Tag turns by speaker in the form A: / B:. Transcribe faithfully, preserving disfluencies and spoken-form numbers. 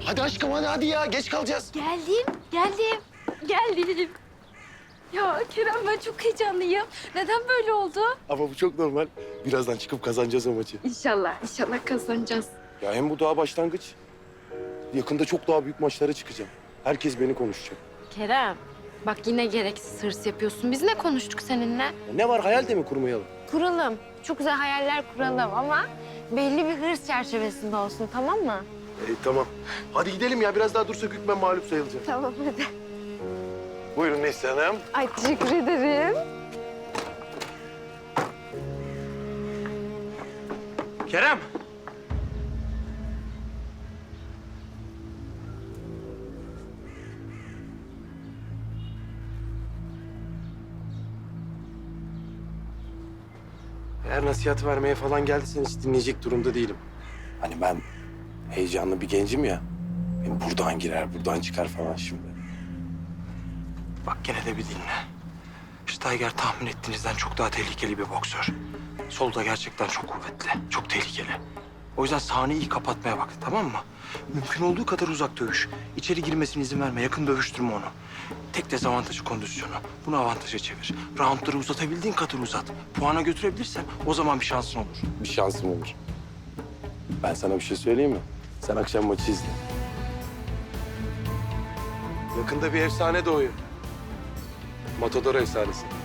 A: Hadi aşkım hadi hadi ya geç kalacağız.
B: Geldim, geldim, geldim. Ya Kerem ben çok heyecanlıyım. Neden böyle oldu?
A: Ama bu çok normal. Birazdan çıkıp kazanacağız o maçı.
B: İnşallah, inşallah kazanacağız.
A: Ya hem bu daha başlangıç. Yakında çok daha büyük maçlara çıkacağım. Herkes beni konuşacak.
B: Kerem, bak yine gereksiz hırs yapıyorsun. Biz ne konuştuk seninle?
A: Ya ne var hayal de mi kurmayalım?
B: Kuralım. Çok güzel hayaller kuralım ama belli bir hırs çerçevesinde olsun, tamam mı?
A: E, tamam. Hadi gidelim ya biraz daha dursak hükmen mağlup sayılacak.
B: Tamam hadi.
A: Buyurun Neslihan Hanım.
B: Ay teşekkür ederim.
A: Kerem. Eğer nasihat vermeye falan geldiysen hiç dinleyecek durumda değilim. Hani ben heyecanlı bir gencim ya. Benim buradan girer, buradan çıkar falan şimdi.
C: Bak gene de bir dinle. Steiger tahmin ettiğinizden çok daha tehlikeli bir boksör. Solda gerçekten çok kuvvetli, çok tehlikeli. O yüzden sahneyi iyi kapatmaya bak, tamam mı? Mümkün olduğu kadar uzak dövüş. İçeri girmesine izin verme, yakın dövüştürme onu. Tek dezavantajı kondisyonu. Bunu avantaja çevir. Roundları uzatabildiğin kadar uzat. Puana götürebilirsen o zaman bir şansın olur.
A: Bir şansım olur. Ben sana bir şey söyleyeyim mi? Sen akşam maçı izle. Yakında bir efsane doğuyor. Matador efsanesi.